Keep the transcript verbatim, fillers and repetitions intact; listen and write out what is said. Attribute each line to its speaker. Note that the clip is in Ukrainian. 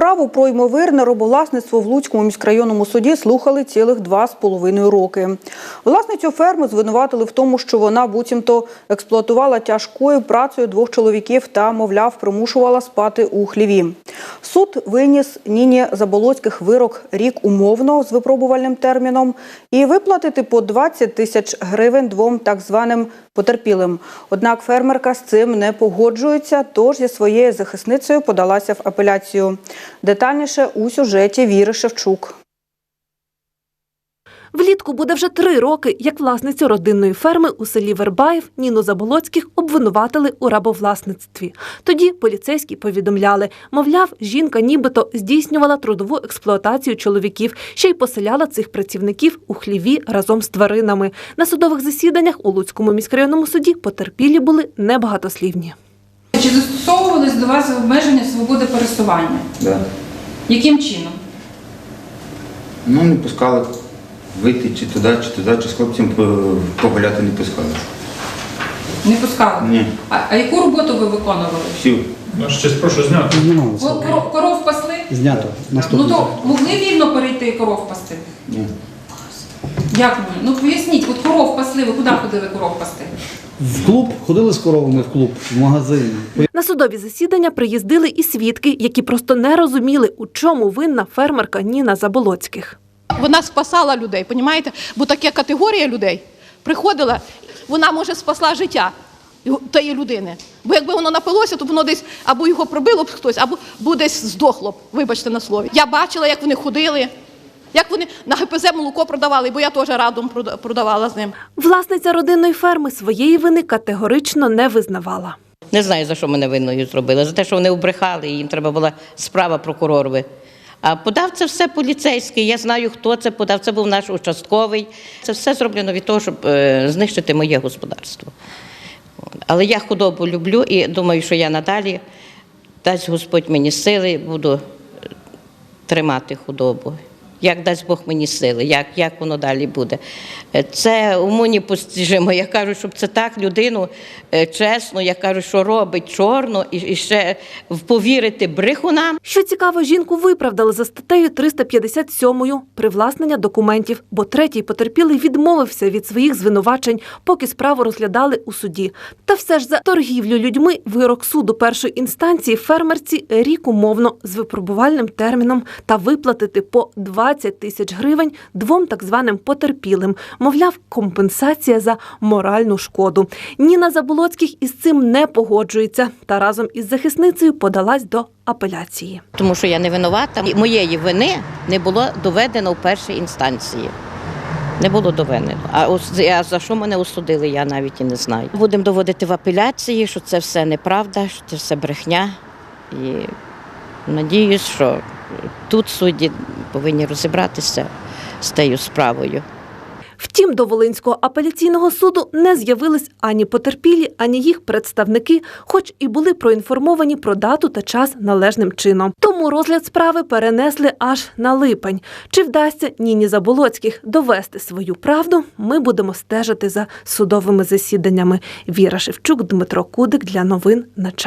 Speaker 1: Справу про ймовірне рабовласництво в Луцькому міськрайонному суді слухали цілих два з половиною роки. Власницю ферми звинуватили в тому, що вона буцімто експлуатувала тяжкою працею двох чоловіків та, мовляв, примушувала спати у хліві. Суд виніс Ніні Заболоцьких вирок рік умовно з випробувальним терміном і виплатити по двадцять тисяч гривень двом так званим потерпілим. Однак фермерка з цим не погоджується, тож зі своєю захисницею подалася в апеляцію. Детальніше у сюжеті Віри Шевчук.
Speaker 2: Влітку буде вже три роки, як власницю родинної ферми у селі Вербаїв Ніну Заболоцьких обвинуватили у рабовласництві. Тоді поліцейські повідомляли, мовляв, жінка нібито здійснювала трудову експлуатацію чоловіків, ще й поселяла цих працівників у хліві разом з тваринами. На судових засіданнях у Луцькому міськрайонному суді потерпілі були небагатослівні.
Speaker 3: Чи застосовувались до вас обмеження свободи пересування?
Speaker 4: Да.
Speaker 3: Яким чином?
Speaker 4: Ну, не пускали вийти чи туди, чи туди, чи з хлопцем погуляти не пускали.
Speaker 3: Не пускали?
Speaker 4: Ні.
Speaker 3: А, а яку роботу ви виконували?
Speaker 4: Всю.
Speaker 5: Ну, щось прошу зняти.
Speaker 3: Ви коров, коров пасли?
Speaker 6: Знято.
Speaker 3: Ну
Speaker 6: Наступне.
Speaker 3: то могли вільно перейти і коров пасти?
Speaker 4: Ні.
Speaker 3: Як ні? Ну поясніть, от коров пасли, ви куди ходили коров пасти?
Speaker 6: В клуб, ходили з коровами в клуб, в магазин.
Speaker 2: На судові засідання приїздили і свідки, які просто не розуміли, у чому винна фермерка Ніна Заболоцьких.
Speaker 7: Вона спасала людей, понімаєте? Бо така категорія людей приходила, вона, може, спасла життя тієї людини. Бо якби воно напилося, то воно десь або його пробило б хтось, або, або десь здохло б, вибачте на слові. Я бачила, як вони ходили, як вони на ге пе зет молоко продавали, бо я теж радом продавала з ним.
Speaker 2: Власниця родинної ферми своєї вини категорично не визнавала.
Speaker 8: Не знаю, за що мене винною зробили. За те, що вони обрехали, і їм треба була справа прокуророві. А подав це все поліцейський, я знаю, хто це подав, це був наш участковий. Це все зроблено від того, щоб е, знищити моє господарство. Але я худобу люблю і думаю, що я надалі, дасть Господь мені сили, буду тримати худобу. Як дасть Бог мені сили, як, як воно далі буде. Це уму непостижимо. Я кажу, щоб це так людину чесно, я кажу, що робить чорно і, і ще повірити брехунам.
Speaker 2: Що цікаво, жінку виправдали за статтею триста п'ятдесят сьомою привласнення документів, бо третій потерпілий відмовився від своїх звинувачень, поки справу розглядали у суді. Та все ж за торгівлю людьми вирок суду першої інстанції фермерці рік умовно з випробувальним терміном та виплатити по двадцять тисяч гривень двом так званим потерпілим. Мовляв, компенсація за моральну шкоду. Ніна Заболоцьких із цим не погоджується та разом із захисницею подалась до апеляції.
Speaker 8: Тому що я не винувата. Моєї вини не було доведено в першій інстанції. Не було доведено. А, а за що мене осудили, я навіть і не знаю. Будемо доводити в апеляції, що це все неправда, що це все брехня. І надіюсь, що тут судді повинні розібратися з тією справою.
Speaker 2: Втім, до Волинського апеляційного суду не з'явились ані потерпілі, ані їх представники, хоч і були проінформовані про дату та час належним чином. Тому розгляд справи перенесли аж на липень. Чи вдасться Ніні Заболоцьких довести свою правду, ми будемо стежити за судовими засіданнями. Віра Шевчук, Дмитро Кудик для новин на часі.